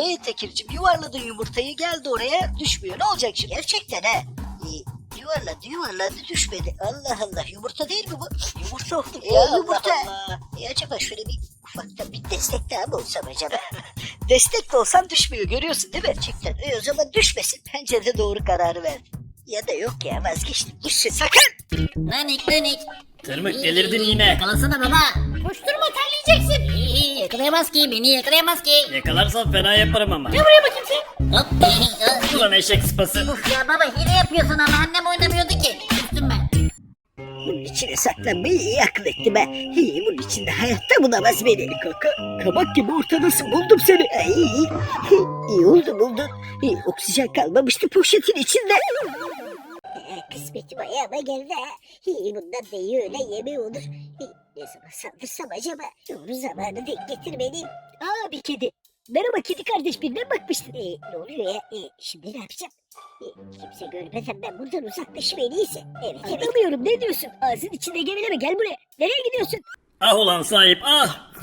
Tekir'cim yuvarladın yumurtayı, geldi oraya, düşmüyor. Ne olacak şimdi? Gerçekten ha. Yuvarladı düşmedi. Allah Allah, yumurta değil mi bu? Yumurta oldu ya, yumurta. Allah. Acaba şöyle bir ufakta bir destek daha mı olsam acaba? Destek de olsan düşmüyor, görüyorsun değil mi? Gerçekten. O zaman düşmesin. Bence de doğru kararı verdim. Ya da yok ya, vazgeçtim. Düşsün sakın. Nanik. Tırmık delirdin yine. Yakalasana baba. Koşturma, terleyeceksin. İyi, yakalayamaz ki, beni yakalayamaz ki. Yakalarsan fena yaparım ama. Gel buraya bakayım sen. Hop. Ulan eşek sıpası. Uf ya baba, hile yapıyorsun ama annem oynamıyordu ki. Üstüm ben. Bunun içine saklanmayı iyi akıl ettim ha. Bunun içinde hayatta bulamaz beni. Kabak gibi ortadasın, buldum seni. İyi oldu, buldun. Oksijen kalmamıştı poşetin içinde. Kısmetim ayağıma geldi ha. Bundan da iyi öyle yemeği olur. Ne zaman saldırsam acaba? Doğru zamanı denk getirmeliyim. Bir kedi. Merhaba kedi kardeş, birine bakmıştın. Ne oluyor ya? Şimdi ne yapacağım? Kimse görmeden ben buradan uzaklaşayım en iyisi. Evet. Anlamıyorum, ne diyorsun? Ağzın içinde geveleme, gel buraya. Nereye gidiyorsun? Ah ulan sahip ah.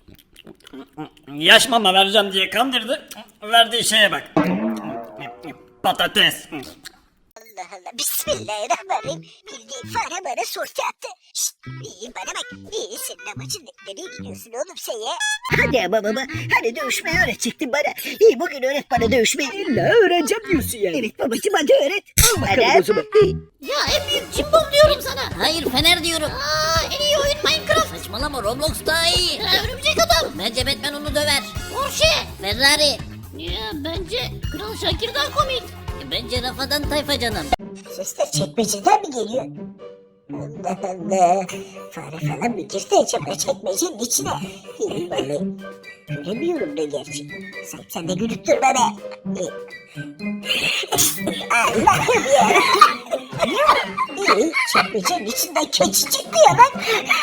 Yaş mama vereceğim diye kandırdı. Verdiği şeye bak. Patates. Allah Allah, bismillahirrahmanirrahim. Bildiğin fare bana sorti attı. Şşt, bana bak. Senin amacın ne? Nereye gidiyorsun oğlum sen ya? Hadi ama baba, hani dövüşmeyi öğretecektin bana. Bugün öğret bana dövüşmeyi. İlla öğreneceğim diyorsun yani. Evet babacığım, hadi öğret. Al bakalım o zaman. Ya en büyük cimbom diyorum sana. Hayır, Fener diyorum. En iyi oyun Minecraft. Saçmalama, Roblox daha iyi. Örümcek adam. Bence Batman onu döver. Porsche. Ferrari. Ya bence Kral Şakir daha komik. Bence Rafadan Tayfa canım. Sesler çekmeceden mi geliyor? Allah Allah. Fare falan mı girdi acaba çekmecenin içine? Vallahi göremiyorum ne gerçi. Sen de gülüp durma be. Allah'ım ya. Çekmecenin içinden keçi çıktı ya lan.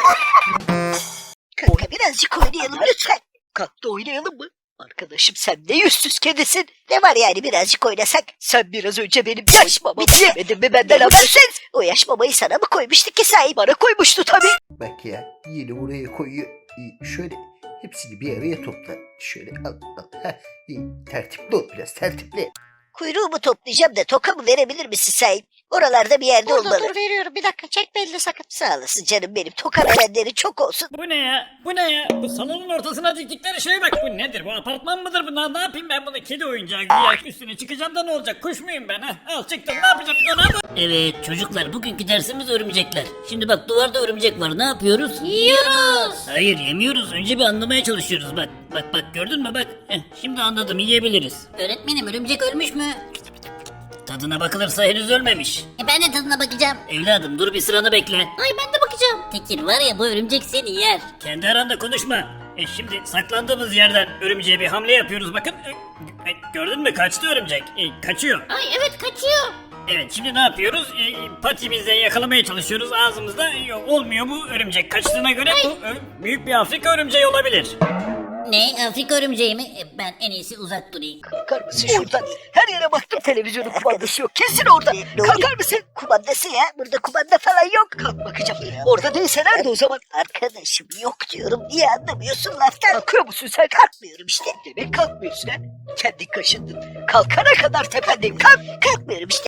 Kanka birazcık oynayalım lütfen. Kalk da oynayalım mı? Arkadaşım sen ne yüzsüz kedisin. Ne var yani birazcık oynasak? Sen biraz önce benim yaş mamamı yemedin mi benden habersiz? O yaş mamayı sana mı koymuştu ki sahip? Bana koymuştu tabii. Bak ya, yine buraya koyuyor. Şöyle hepsini bir araya topla. Şöyle al. Tertipli ol, biraz tertipli. Kuyruğumu toplayacağım da toka mı verebilir misin sahip? Oralarda bir yerde olmalı. Dur veriyorum, bir dakika, çekme elini sakın. Sağ olasın canım benim. Toka verenleri çok olsun. Bu ne ya? Bu ne ya? Bu salonun ortasına diktikleri şeye bak. Bu nedir? Bu apartman mıdır bu? Ne yapayım ben bunu? Kedi oyuncağı güya üstüne çıkacağım da ne olacak? Kuş muyum ben ha? Al çıktım, ne yapacağım? Ona mı? Evet çocuklar, bugünkü dersimiz örümcekler. Şimdi bak, duvarda örümcek var, ne yapıyoruz? Yiyoruz. Hayır, yemiyoruz, önce bir anlamaya çalışıyoruz bak. Bak gördün mü bak. Şimdi anladım, yiyebiliriz. Öğretmenim, örümcek ölmüş mü? Tadına bakılırsa henüz ölmemiş. Ben de tadına bakacağım. Evladım dur, bir sıranı bekle. Ay ben de bakacağım. Tekir var ya, bu örümcek seni yer. Kendi aranda konuşma. Şimdi saklandığımız yerden örümceğe bir hamle yapıyoruz bakın. Gördün mü, kaçtı örümcek. Kaçıyor. Ay evet, kaçıyor. Evet, şimdi ne yapıyoruz? Patimizle yakalamaya çalışıyoruz ağzımızda. Olmuyor, bu örümcek kaçtığına göre bu büyük bir Afrika örümceği olabilir. Ne, Afrika örümceği mi? Ben en iyisi uzak durayım. Kalkar mısın şuradan? Her yere baktım, televizyonun kumandası yok. Kesin orada. Kalkar mısın? Kumandası ya. Burada kumanda falan yok. Kalk bakacağım. Orada değilse nerede o zaman? Arkadaşım yok diyorum. Niye anlamıyorsun laftan? Kalkıyor musun sen? Kalkmıyorum işte. Demek kalkmıyorsun ha. Kendin kaşındın. Kalkana kadar tependeyim. Kalkmıyorum işte.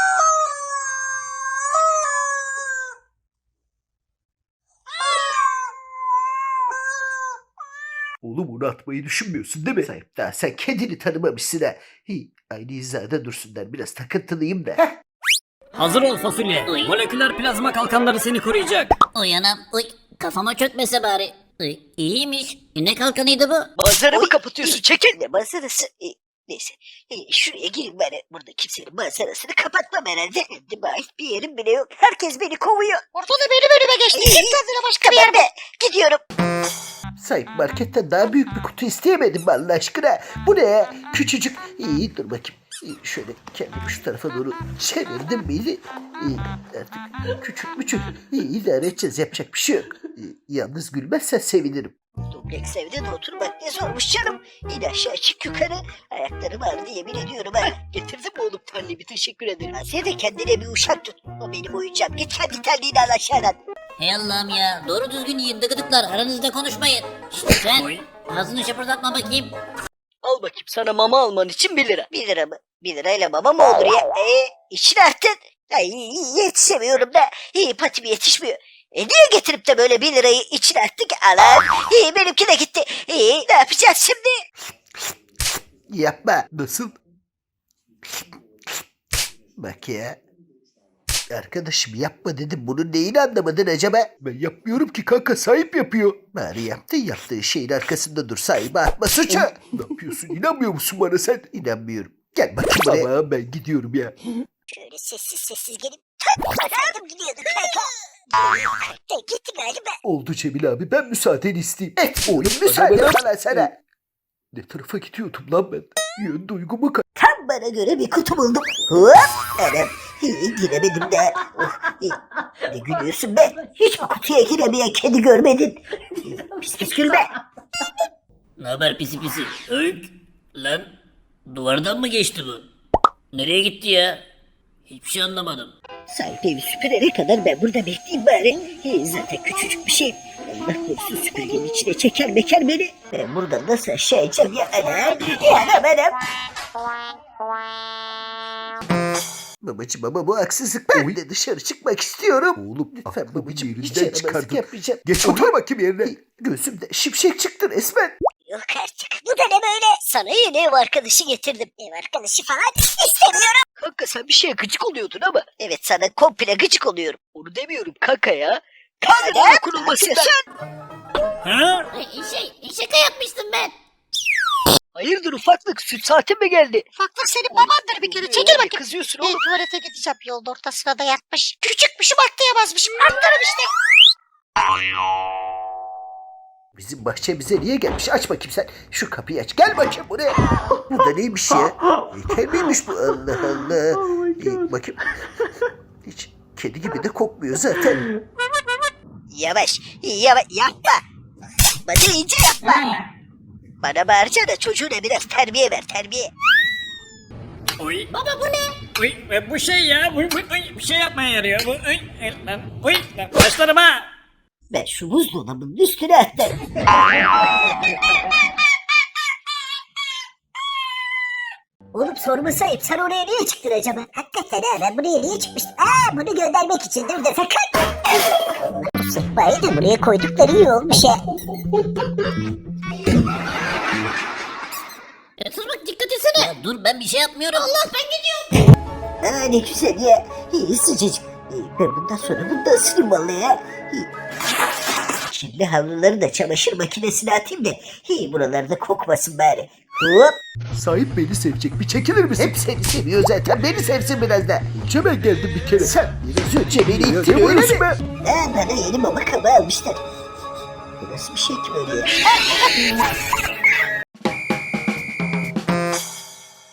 Oğlum onu atmayı düşünmüyorsun değil mi? Sahip daha sen kendini tanımamışsın ha. Aynı hizada dursunlar, biraz takıntılıyım da. Hazır ol fasulye. Uy. Moleküler plazma kalkanları seni koruyacak. Uyanam. Uy, kafama çökmese bari. Uy, iyiymiş. Ne kalkanıydı bu? Manzaramı kapatıyorsun. Çekil. Ne manzarası? Neyse. Şuraya gireyim ben. Burada kimsenin manzarasını kapatmam herhalde. Kendime ait bir yerim bile yok. Herkes beni kovuyor. Ortada benim önüme geçti. Git kendine başka bir yerde. Gidiyorum. Sahip marketten daha büyük bir kutu isteyemedim mi Allah aşkına? Bu ne ya? Küçücük. Dur bakayım. Şöyle kendimi şu tarafa doğru çevirdim miydi? Artık küçük. İdare edeceğiz, yapacak bir şey yok. Yalnız gülmezsen sevinirim. Dubleks evde de oturmak ne zormuş canım. İn aşağı çık yukarı. Ayaklarım ağrıdı yemin ediyorum ha. Getirdim mi oğlum terliğimi, teşekkür ederim. Sen de kendine bir uşak tut. O benim oyuncağım. Git kendi terliğini al aşağıdan. Hey Allah'ım ya, doğru düzgün yiyin dıgıdıklar, aranızda konuşmayın. İşte sen Oy. ağzını şapırdatma bakayım. Al bakayım sana mama alman için 1 lira. 1 lira mı? 1 lirayla mama mı olur ya? İçine attın. Ay yetişemiyorum da. Patimi yetişmiyor. Niye getirip de böyle 1 lirayı içine attık ki? Alan. Benimki de gitti. Ne yapacağız şimdi? Yapma. Nasıl? Bak ya. Arkadaşım yapma dedim. Bunun neyini anlamadın acaba? Ben yapmıyorum ki kanka, sahip yapıyor. Bari yaptığı şeyin arkasında dur, sahibi atma suçu. Ne yapıyorsun? İnanmıyor musun bana sen? İnanmıyorum. Gel bakayım buraya. Ama ben gidiyorum ya. Şöyle sessiz gelip atladım gidiyorduk kanka. Gitti galiba. Oldu Cemil abi, ben müsaadeni isteyeyim. Oğlum müsaade bana sana. Ne tarafa gidiyordum lan ben? Yön duygumu Tam bana göre bir kutu buldum. Hop. Anam. Giremedim de. Ne gülüyorsun be? Hiç mi kutuya giremeyen kedi görmedin? Pis pis gülme. Ne haber pisi pisi? Öykü. Lan duvardan mı geçti bu? Nereye gitti ya? Hiçbir şey anlamadım. Sahip evi süpürene kadar ben burada bekleyeyim bari. Zaten küçücük bir şey. Allah korusun süpürgenin içine çeker meker beni. Ben buradan nasıl aşağı ineceğim ya anam? Anam. Babacım ama bu haksızlık. Ben de dışarı çıkmak istiyorum. Oğlum lütfen babacım, hiç yaramazlık yapmayacağım. Geç otur bakayım yerine. Gözümde şimşek çıktı resmen. Yok artık. Bu da ne böyle? Sana yeni ev arkadaşı getirdim. Ev arkadaşı falan istemiyorum. Kanka sen bir şeye gıcık oluyordun ama. Evet sana komple gıcık oluyorum. Onu demiyorum kanka ya. Kanka dokunulmasından. Ha? Şaka yapmıştım ben. Hayırdır ufaklık, süt saatin mi geldi? Ufaklık senin babandır bir kere. Çekil bakayım. Kızıyorsun oğlum. Tuvalete gideceğim. Yolda ortasına da yatmış. Küçükmüşüm atlayamazmışım. Atlarım işte. Bizim bahçemize niye gelmiş? Aç bakayım sen. Şu kapıyı aç. Gel bakayım buraya. Bu da neymiş ya? Heykel miymiş bu? Allah Allah. Bakayım. Hiç kedi gibi de kokmuyor zaten. Yavaş yapma. Bana iyice yapma. Bana bağıracağına çocuğuna biraz terbiye ver, terbiye. Oy. Baba bu ne? Oy. Bu şey ya. Oy, bir şey yapmaya yarıyor. Bu, oy. Lan. Oy. Lan. Başlarım ha. Ben şu buzdolabının üstüne atlarım. Oğlum sorma sahip. Sen oraya niye çıktın acaba? Hakikaten ha, ben buraya niye çıkmıştım? Bunu göndermek için dur da sakın. Sıkmayı da buraya koydukları iyi olmuş ya. Sus bak dikkat etsene. Ya dur ben bir şey yapmıyorum. Allah ben gidiyorum. Ne güzel ya. Sıcacık. Ben bundan sonra bunu da ısırayım vallahi ya. Şimdi havluları da çamaşır makinesine atayım da buralarda kokmasın bari. Hop. Sahip beni sevecek. Bir çekilir misin? Hep seni seviyor zaten. Beni sevsin biraz da. Önce ben geldim bir kere. Sen biraz önce beni ittin öyle mi? Bana yeni mama kabı almışlar. Bu nasıl bir şey ki böyle ya?